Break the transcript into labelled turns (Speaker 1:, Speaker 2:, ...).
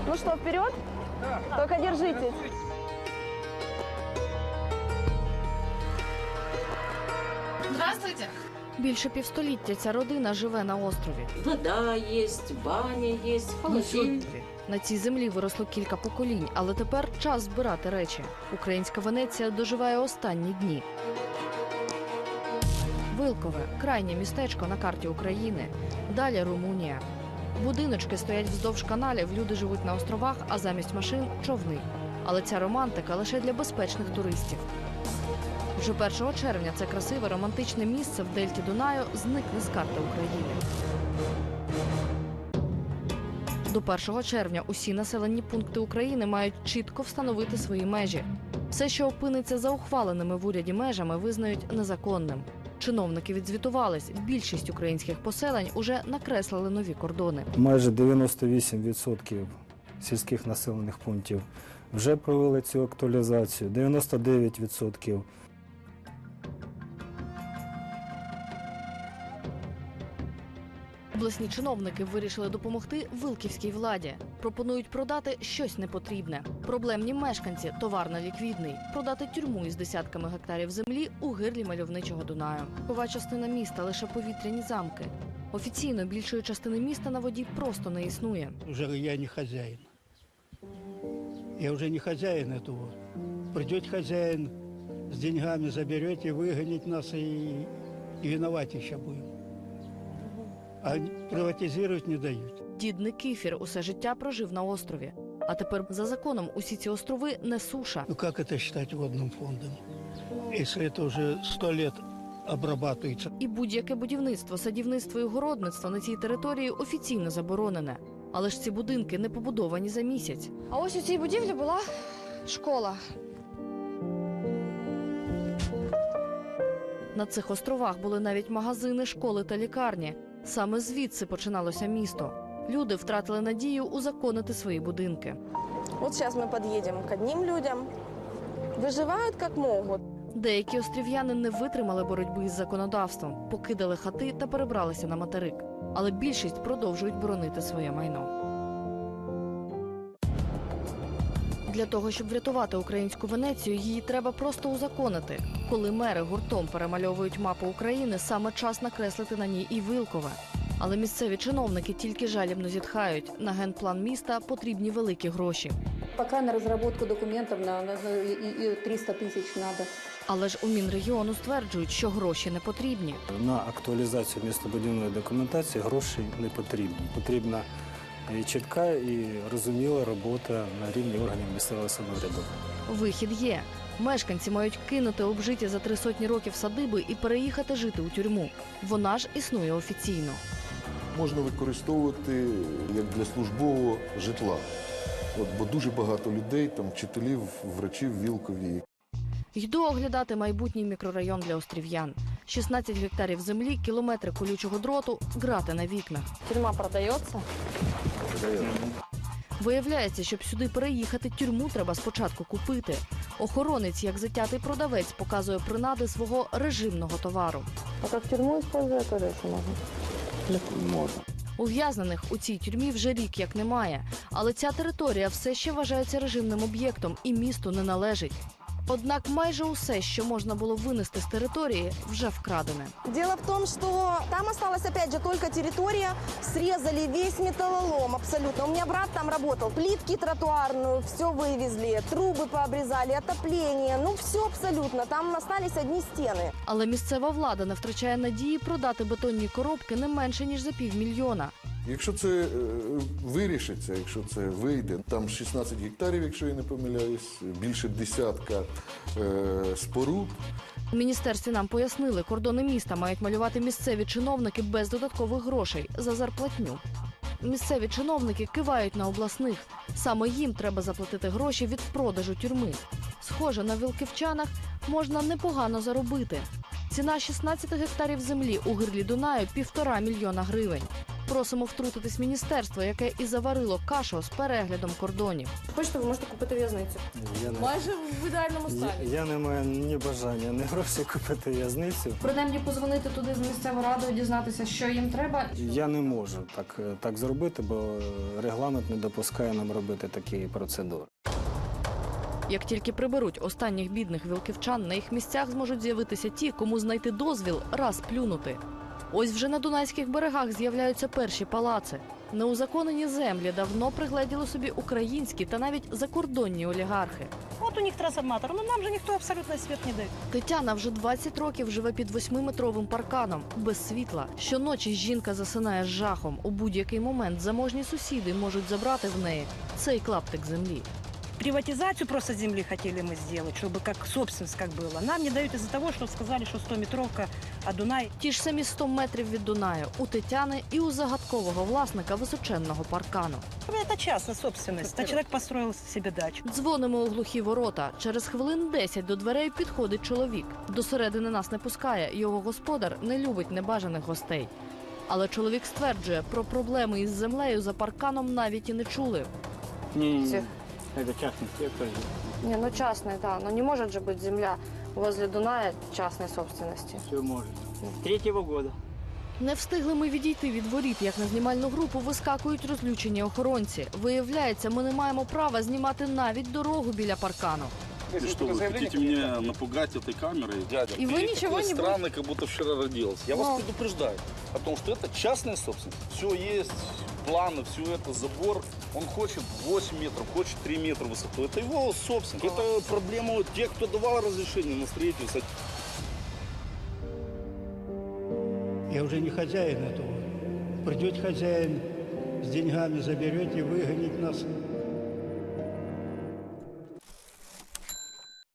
Speaker 1: Ну что, вперед? Только держитесь.
Speaker 2: Здравствуйте.
Speaker 3: Більше півстоліття ця родина живе на острові.
Speaker 4: Вода есть, баня есть, холодильник.
Speaker 3: На цій землі виросло кілька поколінь, але тепер час збирати речі. Українська Венеція доживає останні дні. Вилкове – крайнє містечко на карті України. Далі Румунія. Будиночки стоять вздовж каналів, люди живуть на островах, а замість машин – човни. Але ця романтика лише для безпечних туристів. Вже 1 червня це красиве романтичне місце в дельті Дунаю зникне з карти України. До 1 червня усі населені пункти України мають чітко встановити свої межі. Все, що опиниться за ухваленими в уряді межами, визнають незаконним. Чиновники відзвітувались, більшість українських поселень уже накреслили нові кордони.
Speaker 5: Майже 98% сільських населених пунктів вже провели цю актуалізацію, 99%.
Speaker 3: Обласні чиновники вирішили допомогти вилківській владі. Пропонують продати щось непотрібне. Проблемні мешканці – товар неліквідний. Продати тюрму із десятками гектарів землі у гирлі мальовничого Дунаю. Кова частина міста – лише повітряні замки. Офіційно більшої частини міста на воді просто не існує.
Speaker 6: Уже я не хозяин. Я уже не хозяин этого. Придет хозяин с деньгами, заберете, выгонить нас и виноваты еще будем. А приватизировать не дают.
Speaker 3: Дід Никифір усе життя прожив на острові. А тепер за законом усі ці острови не суша.
Speaker 6: Ну как это считать водным фондом, если это уже 100 лет обрабатывается?
Speaker 3: І будь-яке будівництво, садівництво і городництво на цій території офіційно заборонене. Але ж ці будинки не побудовані за місяць.
Speaker 1: А ось у цій будівлі була школа.
Speaker 3: На цих островах були навіть магазини, школи та лікарні. Саме звідси починалося місто. Люди втратили надію узаконити свої будинки.
Speaker 1: Вот сейчас мы подъедем к одним людям. Выживают как могут.
Speaker 3: Деякі острів'яни не витримали боротьби із законодавством, покидали хати та перебралися на материк. Але більшість продовжують боронити своє майно. Для того, щоб врятувати українську Венецію, її треба просто узаконити. Коли мери гуртом перемальовують мапу України, саме час накреслити на ній і Вилкове. Але місцеві чиновники тільки жалібно зітхають. На генплан міста потрібні великі гроші.
Speaker 7: Пока на разработку документов и 300 тысяч надо.
Speaker 3: Але ж у Мінрегіону стверджують, що гроші не потрібні.
Speaker 5: На актуалізацію містобудівної документації грошей не потрібні. Потрібна і чітка, і розуміла робота на рівні органів місцевого самоврядування.
Speaker 3: Вихід є. Мешканці мають кинути обжиті за 300 років садиби і переїхати жити у тюрму. Вона ж існує офіційно.
Speaker 8: Можна використовувати як для службового житла. Бо дуже багато людей, там, вчителів, врачів в Вілкові.
Speaker 3: Йду оглядати майбутній мікрорайон для острів'ян. 16 гектарів землі, кілометри колючого дроту, грати на вікнах.
Speaker 1: Тюрьма продается?
Speaker 3: Виявляється, щоб сюди переїхати, тюрму треба спочатку купити. Охоронець, як затятий продавець, показує принади свого режимного товару.
Speaker 1: А как тюрьму использовать тоже еще можно?
Speaker 8: Можна.
Speaker 3: Ув'язнених у цій тюрмі вже рік як немає. Але ця територія все ще вважається режимним об'єктом і місту не належить. Однак майже усе, що можна було винести з території, вже вкрадене.
Speaker 1: Дело в том, что там осталась опять же только территория, срезали весь металлолом абсолютно. У меня брат там работал, плитки тротуарную, все вывезли, трубы пообрезали, отопление, ну все абсолютно, там остались одни стены.
Speaker 3: Але місцева влада не втрачає надії продати бетонні коробки не менше, ніж за 500 000.
Speaker 8: Якщо це вирішиться, якщо це вийде, там 16 гектарів, якщо я не помиляюсь, більше десятка споруд.
Speaker 3: У міністерстві нам пояснили, кордони міста мають малювати місцеві чиновники без додаткових грошей за зарплатню. Місцеві чиновники кивають на обласних. Саме їм треба заплатити гроші від продажу тюрми. Схоже, на вилківчанах можна непогано заробити. Ціна 16 гектарів землі у гирлі Дунаю – 1,5 мільйона гривень. Просимо втрутитись міністерство, яке і заварило кашу з переглядом кордонів.
Speaker 1: Хочете, ви можете купити в'язницю.
Speaker 5: Я не,
Speaker 1: Майже в ідеальному стані.
Speaker 5: я не маю ні бажання, ні грошей купити в'язницю.
Speaker 2: Принаймні позвонити туди з місцевою радою, дізнатися, що їм треба.
Speaker 5: Я не можу так зробити, бо регламент не допускає нам робити такі процедури.
Speaker 3: Як тільки приберуть останніх бідних вілківчан, на їх місцях зможуть з'явитися ті, кому знайти дозвіл раз плюнути. Ось вже на Дунайських берегах з'являються перші палаци. Неузаконені землі давно пригледіли собі українські та навіть закордонні олігархи.
Speaker 9: Вот у них трансформатор, но нам же никто абсолютно свет не дает.
Speaker 3: Тетяна вже 20 років живе під 8-метровим парканом, без світла. Щоночі жінка засинає з жахом. У будь-який момент заможні сусіди можуть забрати в неї цей клаптик землі.
Speaker 9: Приватизацию просто земли хотели мы сделать, чтобы как собственность как было. Нам не дают из-за того, что сказали, что 100-метровка, а Дунай.
Speaker 3: Ті ж самі 100 метрів від Дунаю у Тетяни і у загадкового власника височенного паркану.
Speaker 9: Это частная собственность, а человек построил себе дачу.
Speaker 3: Дзвонимо у глухі ворота. Через хвилин 10 до дверей підходить чоловік. До середини нас не пускає. Його господар не любить небажаних гостей. Але чоловік стверджує, про проблеми із землею за парканом навіть і не чули.
Speaker 6: Не, это частный сектор.
Speaker 1: Не, ну частная, да. Но не может же быть земля возле Дуная частной собственности.
Speaker 6: Все может. С 3-го года.
Speaker 3: Не встигли ми відійти від воріт, як на знімальну групу вискакують розлючені охоронці. Виявляється, ми не маємо права знімати навіть дорогу біля паркану.
Speaker 10: Ты что, вы хотите меня напугать этой камерой? Дядя,
Speaker 1: И вы
Speaker 10: ты
Speaker 1: ничего
Speaker 10: такой
Speaker 1: не
Speaker 10: странный, как будто вчера родился. Я вас предупреждаю о том, что это частная собственность. Все есть, планы, все это, забор. Он хочет 8 метров, хочет 3 метра высоту. Это его собственность. Это проблема тех, кто давал разрешение на строительство.
Speaker 6: Я уже не хозяин этого. Придет хозяин с деньгами, заберет и выгонит нас.